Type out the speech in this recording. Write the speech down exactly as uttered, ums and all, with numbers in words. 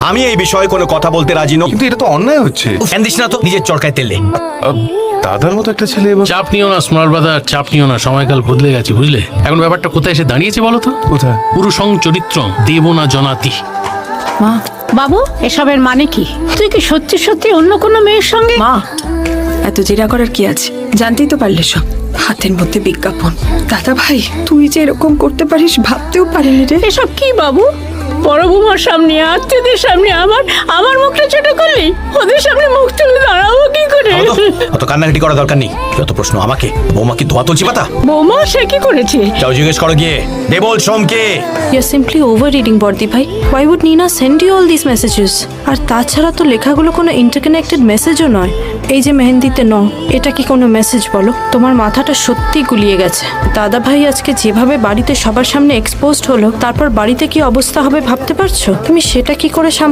আমি এই বিষয়ে কোনো কথা বলতে রাজি নই। কিন্তু এটা তো অন্যায় হচ্ছে। ফ্যান দিস না তো, নিজের চরকায় তেলে। আহ, দাদার মতো একটা ছেলে এবার চাপ নিও না স্মল ব্রাদার, চাপ নিও না, সময়কাল বদলে গেছে বুঝলে। এখন ব্যাপারটা কোথায় এসে দাঁড়িয়েছে বলো তো? কোথায়? পুরুষং চরিত্র দেব না জনাতি। মা, বাবু, এসবের মানে কি? তুই কি সত্যি সত্যি অন্য কোনো মেয়ের সঙ্গে? মা, এত জেরা করার কি আছে? জানতেই তো পারলে সব। হাতের মধ্যে বিজ্ঞাপন। দাদা ভাই, তুই যে এরকম করতে পারিস ভাবতেও পারিনি রে। এসব কি বাবু? বড় বৌমার সামনে, আত্মীয়দের সামনে আমার আমার মুখটা ছোট করলি। ওদের সামনে মুখ তুলে দাঁড়াবো কি করে? অত কান্নাকাটি করা দরকার নেই। যত প্রশ্ন আমাকে। বৌমা কি ধোয়া তুলছি পাতা? বৌমা সে কি করেছে? যাও জিজ্ঞেস করো গিয়ে। দেবল সোমকে। You're simply overreading, বর্দি ভাই। Why would Nina send you all these messages? আর তাছাড়া তো লেখাগুলো কোনো ইন্টারকানেক্টেড মেসেজও নয়। এই যে মেহেন্দিতে ন, এটা কি কোনো মেসেজ বলো? তোমার মাথাটা সত্যি গুলিয়ে গেছে। দাদা ভাই আজকে যেভাবে বাড়িতে সবার সামনে এক্সপোজড হলো, তারপর বাড়িতে কি অবস্থা হবে ভাবতে পারছো? তুমি সেটা কি করে সামনে